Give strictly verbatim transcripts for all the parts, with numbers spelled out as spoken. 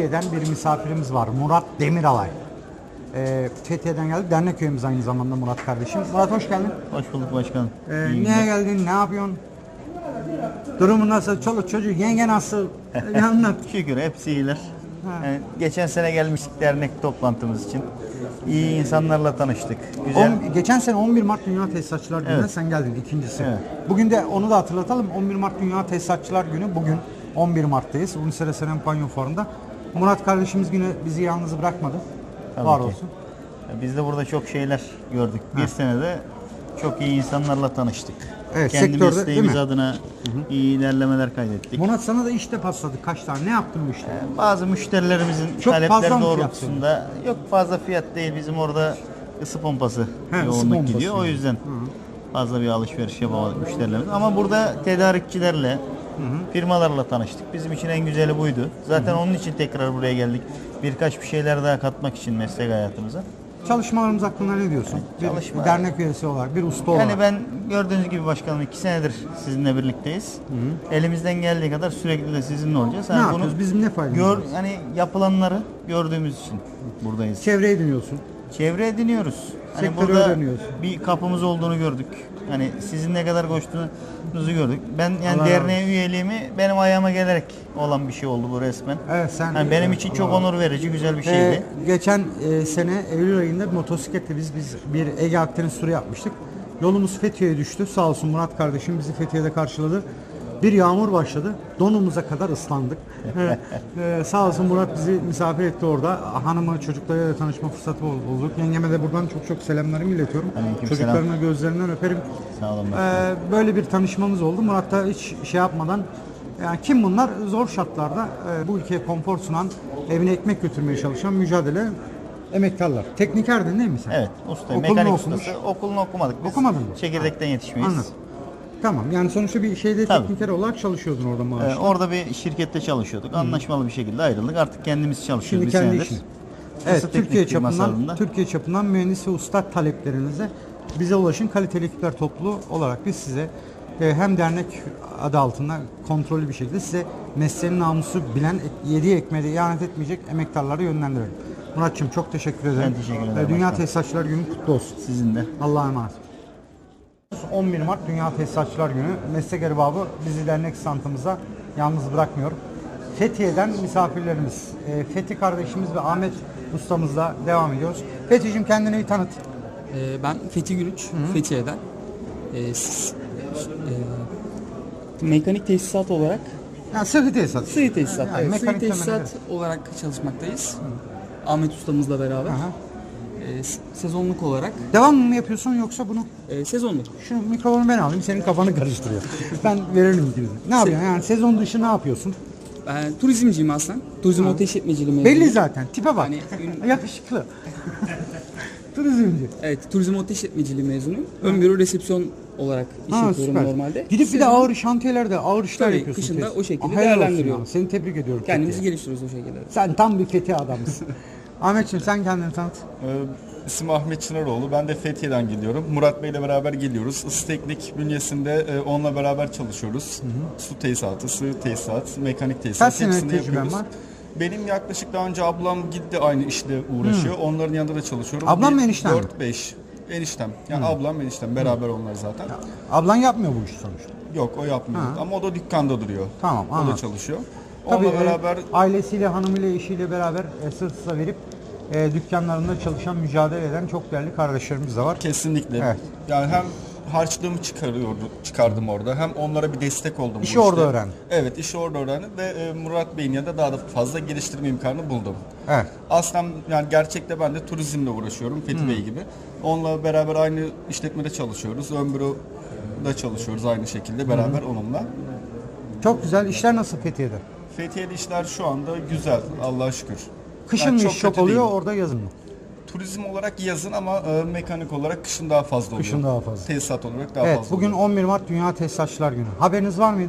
Fethiye'den bir misafirimiz var. Murat Demiralay. Ee, Fethiye'den geldi. Dernek üyemiz aynı zamanda Murat kardeşim. Murat hoş geldin. Hoş bulduk başkanım. Ee, niye geldin? Ne yapıyorsun? Durumun nasıl? Çoluk çocuk, yenge nasıl? Bir anlat. Şükür hepsi iyiler. Yani geçen sene gelmiştik dernek toplantımız için. İyi insanlarla tanıştık. Güzel. On, geçen sene on bir Mart Dünya Tesisatçılar Günü'ne Evet. sen geldin ikincisi. Evet. Bugün de onu da hatırlatalım. on bir Mart Dünya Tesisatçılar Günü. Bugün on bir Mart'tayız. Unisere Senem Panyo Fuarı'nda. Murat kardeşimiz yine bizi yalnız bırakmadı. Tabii Var ki. olsun. Biz de burada çok şeyler gördük. Bir ha. senede çok iyi insanlarla tanıştık. Evet, Kendi sektörde, mesleğimiz değil mi? adına iyi ilerlemeler kaydettik. Murat sana da işte pasladık. Kaç tane? Ne yaptın bu işte? Ee, Bazı müşterilerimizin Çok fazla talepleri mı doğrultusunda yok fazla fiyat değil, bizim orada ısı pompası He, ısı yoğunluk pompası gidiyor. O yani. yüzden fazla bir alışveriş yapamadık müşterilerimiz. Ama burada tedarikçilerle, hı hı. firmalarla tanıştık. Bizim için en güzeli buydu. Zaten hı hı. onun için tekrar buraya geldik. Birkaç bir şeyler daha katmak için meslek hayatımıza. Çalışmalarımız hakkında ne diyorsun? Bir Çalışma. dernek üyesi olarak, bir usta olarak. Yani ben gördüğünüz gibi başkanım iki senedir sizinle birlikteyiz. Hı hı. Elimizden geldiği kadar sürekli de sizinle olacağız. Ne yani yapıyoruz? bunu Bizim ne faydamız gör, var? hani yapılanları gördüğümüz için buradayız. Çevre ediniyorsun. Çevre ediniyoruz. Hani Sektörü burada öğreniyorsun. bir kapımız olduğunu gördük. Hani sizin ne kadar koştuğunuzu gördük. Ben yani Allah derneğe Allah. üyeliğimi benim ayağıma gelerek olan bir şey oldu bu resmen. Evet, sen. Yani benim için çok Allah. onur verici, güzel bir şeydi. Ee, geçen e, sene Eylül ayında bir motosikletle biz biz bir Ege Akdeniz turu yapmıştık. Yolumuz Fethiye'ye düştü. Sağ olsun Murat kardeşim bizi Fethiye'de karşıladı. Bir yağmur başladı. Donumuza kadar ıslandık. ee, sağ olsun Murat bizi misafir etti orada. Hanımı, çocuklarıyla tanışma fırsatı bulduk. Yengeme de buradan çok çok selamlarımı iletiyorum. Aleyküm Çocuklarına selam. gözlerinden öperim. Sağ olun. Ee, böyle bir tanışmamız oldu. Murat da hiç şey yapmadan, yani kim bunlar? Zor şartlarda e, bu ülkeye konfor sunan, evine ekmek götürmeye çalışan mücadele emektarlar. Teknikerdin değil mi sen? Evet, usta, Okulunu mekanik okumuş. ustası. Okulunu okumadık biz. Okumadın mı? Çekirdekten yetişmeyiz. Anladım. Tamam, yani sonuçta bir şeyde Tabii. tekniker olarak çalışıyordun orada maaşla. Ee, orada bir şirkette çalışıyorduk. Anlaşmalı bir şekilde ayrıldık. Artık kendimiz çalışıyoruz Şimdi bir kendi senedir. işin. Evet, Isı Türkiye teknik firması çapından adında. Türkiye çapından mühendis ve usta taleplerinize bize ulaşın. Kaliteli ekipler topluluğu olarak biz size e, hem dernek adı altında kontrollü bir şekilde size mesleğin namusu bilen, yediği ekmeğe ihanet etmeyecek emektarları yönlendirelim. Muratçığım çok teşekkür ederim. Ben teşekkür ederim E, Dünya başkanım. Tesisatçılar Günü kutlu olsun. Sizin de. Allah'a emanet. on bir Mart Dünya Tesisatçılar Günü. Meslek erbabı bizi dernek standımıza yalnız bırakmıyor. Fethiye'den misafirlerimiz, e, Fethi kardeşimiz ve Ahmet ustamızla devam ediyoruz. Fethi'cim kendini bir tanıt. Ee, ben Fethi Gülüç, Fethiye'den. Ee, s- e, mekanik tesisat olarak, Yani sıhhi tesisat. sıhhi tesisat, Yani evet, sıhhi mekanik tesisat temeli. olarak çalışmaktayız. Ahmet ustamızla beraber. Aha. Ee, s- sezonluk olarak, Devam mı yapıyorsun yoksa bunu? e, sezonluk. Şu mikrofonu ben alayım, senin kafanı karıştırıyor. Ben veririm gibi. Ne yapıyorsun? Yani sezon dışı ne yapıyorsun? Ben turizmciyim aslında. Turizm otel işletmeciliği mezunuyum. Belli zaten. Tipe bak. Yani ün- Yakışıklı. Turizmci. Evet, turizm otel işletmeciliği mezunuyum. Ön büro resepsiyon olarak iş Ha, yapıyorum süper. normalde. Gidip bir de Sezon- ağır şantiyelerde ağır işler Tabii, yapıyorsun. kışın da kesin. o şekilde Helal olsun değerlendiriyorum. ya. Seni tebrik ediyorum. Kendimizi Fethiye. geliştiriyoruz o şekilde. Sen tam bir Fethi adamısın. Ahmetciğim sen kendini tanıt. Ee, İsmim Ahmet Çınaroğlu. Ben de Fethiye'den geliyorum. Murat Bey'le beraber geliyoruz. Isı Teknik bünyesinde e, onunla beraber çalışıyoruz. Su tesisatı, sığ tesisat, mekanik tesisat. Kaç senelik hepsini tecrüben yapıyoruz. var? Benim yaklaşık daha önce ablam gitti aynı işle uğraşıyor. Onların yanında da çalışıyorum. Ablam mı Bir, enişten mi? dört beş Eniştem. Yani ablam eniştem. Beraber onlar zaten. Ablan yapmıyor bu işi sonuçta. Yok o yapmıyor. Ha. Ama o da dükkanda duruyor. Tamam, O anladım. da çalışıyor. Tabii Onunla e, beraber ailesiyle, hanımıyla, eşiyle beraber e, sırt sırta verip e, dükkanlarında çalışan, mücadele eden çok değerli kardeşlerimiz de var. kesinlikle. Evet. Yani hem harçlığımı çıkarıyordu, çıkardım orada. Hem onlara bir destek oldum. İşi bu işte. orada öğrendin. Evet, işi orada öğrendim ve e, Murat Bey'in yanında daha da fazla geliştirme imkanı buldum. Evet. Aslında yani gerçekte ben de turizmle uğraşıyorum Fethi Bey gibi. Onunla beraber aynı işletmede çalışıyoruz. Ön büroda çalışıyoruz aynı şekilde beraber onunla. Çok güzel. İşler nasıl Fethiye'de? Fethiye'de işler şu anda güzel Allah'a şükür. Kışın Yani mı çok iş çok kötü oluyor, değil. orada yazın mı? Turizm olarak yazın ama e, mekanik olarak kışın daha fazla oluyor. Kışın daha fazla. Tesisat olarak daha Evet, fazla bugün oluyor. on bir Mart Dünya Tesisatçılar Günü. Haberiniz var mıydı?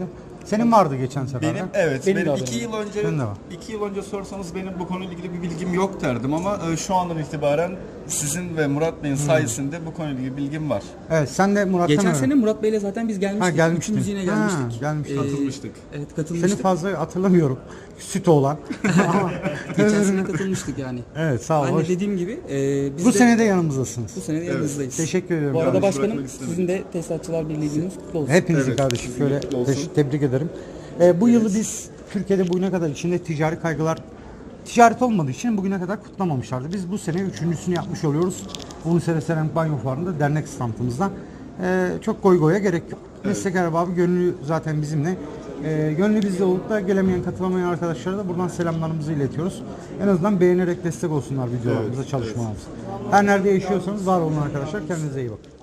Senin vardı geçen sefer. Benim de. evet Benim benim, de iki haberim yıl önce Benim de var. iki yıl önce sorsanız benim bu konuyla ilgili bir bilgim yok derdim ama e, şu andan itibaren sizin ve Murat Bey'in sayesinde bu konuyla ilgili bilgim var. Evet, sen de Murat'tan Geçen öğren. sene Murat Bey'le zaten biz gelmiştik. Ha, gelmiştin. Üçümüz yine Ha, gelmiştik. gelmiştik. Katılmıştık. Evet, Seni katılmıştık. fazla hatırlamıyorum. Süt olan. Ama Geçen sene katılmıştık yani. evet, sağ ol. Ben hoş. de dediğim gibi e, biz Bu de sene de yanımızdasınız. bu sene de yanınızdayız. Teşekkür ediyorum. Bu arada Yalnız başkanım bırakmak istemedim. sizin de Tesisatçılar Birliği gününüz kutlu olsun. Hepinizi Evet, kardeşim sizin şöyle kutlu olsun. teş- tebrik ederim. Ee, bu yılı biz Türkiye'de bugüne kadar içinde ticari kaygılar ticaret olmadığı için bugüne kadar kutlamamışlardı. Biz bu sene üçüncüsünü yapmış oluyoruz. Uluslararası Seramik Banyo Fuarı'nda dernek standımızda. Ee, çok goy goya gerek yok. Meslek erbabı gönlü zaten bizimle. Ee, gönlü bizde olup da gelemeyen, katılamayan arkadaşlara da buradan selamlarımızı iletiyoruz. En azından beğenerek destek olsunlar videolarımıza, çalışmalarımıza. Her nerede yaşıyorsanız var olun arkadaşlar. Kendinize iyi bakın.